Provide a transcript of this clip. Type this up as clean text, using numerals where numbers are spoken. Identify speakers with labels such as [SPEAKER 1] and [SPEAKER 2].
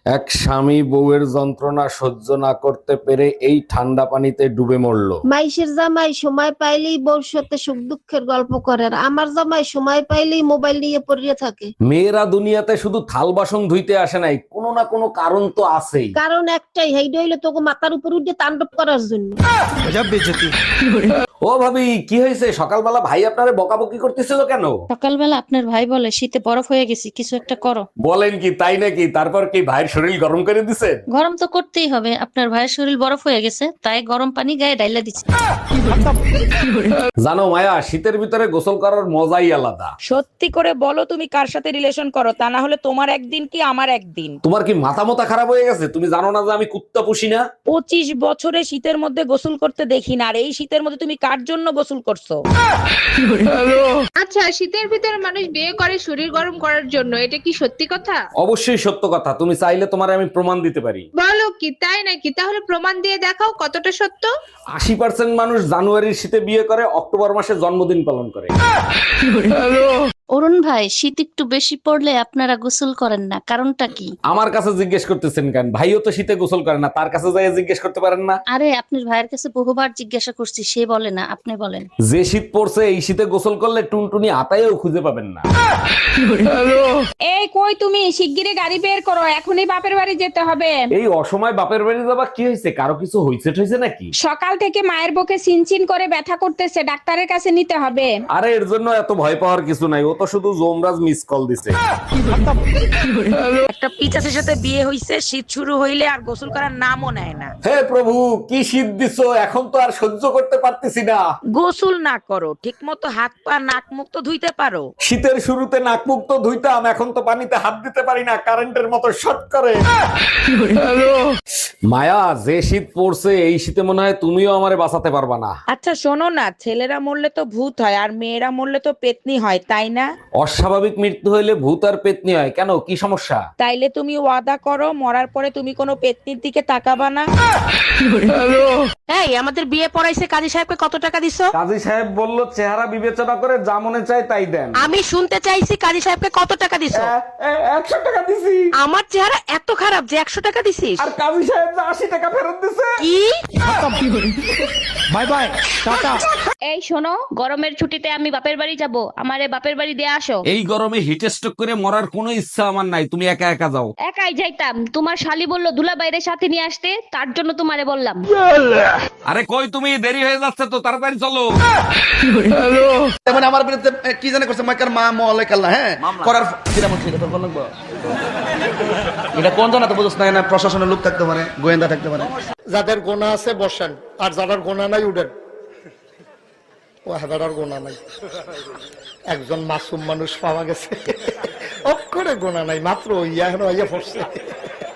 [SPEAKER 1] এক স্বামী বউয়ের যন্ত্রণা সহ্য না করতে পেরে এই ঠান্ডা পানিতে ডুবে মরল।
[SPEAKER 2] মাইশের জামাই সময় পাইলেই বউর সাথে সুখ দুঃখের গল্প করে, আর আমার জামাই সময় পাইলেই মোবাইল নিয়ে পড়িয়ে থাকে।
[SPEAKER 1] মেয়েরা দুনিয়াতে শুধু থাল বাসন ধুইতে আসে নাই, কোনো না কোনো কারণ তো আছেই।
[SPEAKER 2] কারণ একটাই, হেইডা হইলে তোকে মাথার উপর উঠে তাণ্ডব করার জন্য।
[SPEAKER 1] ও ভাবি, কি হয়েছে? সকালবেলা ভাই আপনারে বকাবকি করতেছিল কেন?
[SPEAKER 3] সকালবেলা আপনার ভাই বলে শীতে বরফ হয়ে গেছি, কিছু একটা করো।
[SPEAKER 1] বলেন কি, তাই নাকি? তারপর কি ভাইয়ের শরীর গরম করে দিছে?
[SPEAKER 3] গরম তো করতেই হবে, আপনার ভাইয়ের শরীর বরফ হয়ে গেছে, তাই গরম পানি গায়ে ডাইলা দিচ্ছে।
[SPEAKER 1] জানো মায়া, শীতের ভিতরে গোসল করার মজাই আলাদা।
[SPEAKER 4] সত্যি করে বলো তুমি কার সাথে রিলেশন করো, তা না হলে তোমার একদিন কি আমার একদিন।
[SPEAKER 1] তোমার কি মাথা মোতা খারাপ হয়ে গেছে? তুমি জানো না যে আমি কুত্তা পুষি না?
[SPEAKER 4] 25 বছরে শীতের মধ্যে গোসল করতে দেখি না, আর এই শীতের মধ্যে তুমি কার জন্য গোসল করছো?
[SPEAKER 5] আচ্ছা, শীতের ভিতরে মানুষ বিয়ে করে শরীর গরম করার জন্য, এটা কি সত্যি কথা?
[SPEAKER 1] অবশ্যই সত্য কথা। তুমি চাইলে তোমার আমি প্রমাণ দিতে পারি।
[SPEAKER 5] বলো কি, তাই নাকি? তাহলে প্রমাণ দিয়ে দেখাও কতটা সত্য।
[SPEAKER 1] 80% মানুষ জানুয়ারির শীতে বিয়ে করে, অক্টোবর মাসে জন্মদিন পালন করে।
[SPEAKER 3] অরুণ ভাই, শীত একটু বেশি পড়লে আপনারা গোসল করেন না, কারণটা কি?
[SPEAKER 1] আমার কাছে জিজ্ঞেস করতেছেন কেন? ভাইও তো শীতে গোসল করে না, তার কাছে যাই জিজ্ঞেস করতে পারেন না?
[SPEAKER 3] আরে আপনার ভাইয়ের কাছে বহুবার জিজ্ঞাসা করছি, সে বলে না, আপনি বলেন।
[SPEAKER 1] যে শীত পড়ছে, এই শীতে গোসল করলে টুনটুনি আতায়ও খুঁজে পাবেন না।
[SPEAKER 4] এই কই তুমি, শিগগিরই গাড়ি বের করো, এখনই বাপের বাড়ি যেতে হবে।
[SPEAKER 1] এই অসময় বাপের বাড়ি যাবা? কি হয়েছে? কারো কিছু হয়েছে ঠইছে নাকি?
[SPEAKER 4] সকাল থেকে মায়ের বুকে চিনচিন করে ব্যথা করতেছে, ডাক্তারের কাছে নিতে হবে।
[SPEAKER 1] আরে এর জন্য এত ভয় পাওয়ার কিছু নাই, ও তো শুধু জোমরাজ মিস কল দিছে।
[SPEAKER 4] একটা পিচাসের সাথে বিয়ে হইছে, শীত শুরু হইলে আর গোসল করার নামও নেয় না।
[SPEAKER 1] হে প্রভু, কি শীত দিছো! এখন তো আর সহ্য করতে পারতেছি না।
[SPEAKER 4] গোসল না করো, ঠিক মতো হাত পা নাক মুখ তো ধুইতে পারো।
[SPEAKER 1] শীতের শুরুতে নাক মুখ তো ধুইতাম, এখন তো পানিতে হাত দিতে পারি না, কারেন্টের মতো শর্ট করে। মায়া, যে শীত পড়ছে, এই শীতে মনে হয় তুমিও আমারে বাঁচাতে পারবা না।
[SPEAKER 4] আচ্ছা শোনো না, ছেলেরা মরলে তো ভূত হয় আর মেয়েরা মরলে তো পেতনি হয়, তাই না?
[SPEAKER 1] অস্বাভাবিক মৃত্যু হইলে ভূত আর পেতনি হয় কেন? কি সমস্যা?
[SPEAKER 4] তাইলে তুমি ওয়াদা করো, মরার পরে তুমি কোনো পেতনির দিকে তাকাবা না। এই আমাদের বিয়ে পড়াইছে, কাজী সাহেবকে কত টাকা দিছো?
[SPEAKER 1] কাজী সাহেব বলল চেহারা বিবেচনা করে যা মনে চায় তাই দেন।
[SPEAKER 4] আমি শুনতে চাইছি কাজী সাহেবকে কত টাকা দিছো?
[SPEAKER 1] 100 টাকা দিছি।
[SPEAKER 4] আমার চেহারা এত খারাপ যে 100 টাকা দিছিস?
[SPEAKER 1] আর কাজী সাহেব 80 টাকা ফেরত দিছে।
[SPEAKER 4] কি?
[SPEAKER 1] বাই বাই, টাটা।
[SPEAKER 6] এই শোনো, গরমের ছুটিতে আমি বাপের বাড়ি যাব, আমারে বাপের বাড়ি দিয়ে আসো।
[SPEAKER 1] এই গরমে হিট স্ট্রোক করে মরার কোনো ইচ্ছা আমার নাই, তুমি একা একা যাও।
[SPEAKER 6] একাই যাইতাম, তোমার শালি বললো দুলা বাইরে সাথে নিয়ে আসতে, তার জন্য তোমারে বললাম।
[SPEAKER 1] আরে কই তুমি? দেরি হয়ে যাচ্ছে তো, তাড়াতাড়ি চলো।
[SPEAKER 7] মানে আমার বিরুদ্ধে কি জানে করছে মাইকার মা মলাইকাল্লা, হ্যাঁ করার কিরা মত এটা তোর লাগবে। এটা কোন জানা তো বুঝছ না, না প্রশাসনের লোক থাকতে পারে, গোয়েন্দা থাকতে পারে।
[SPEAKER 8] যাদের গোনা আছে বসেন, আর যাদের গোনা নাই উঠেন। ও হাজার গোনা নাই, একজন মাসুম মানুষ পাওয়া গেছে, অক্ষরে গোনা নাই, মাত্র ইয়া পড়ছে।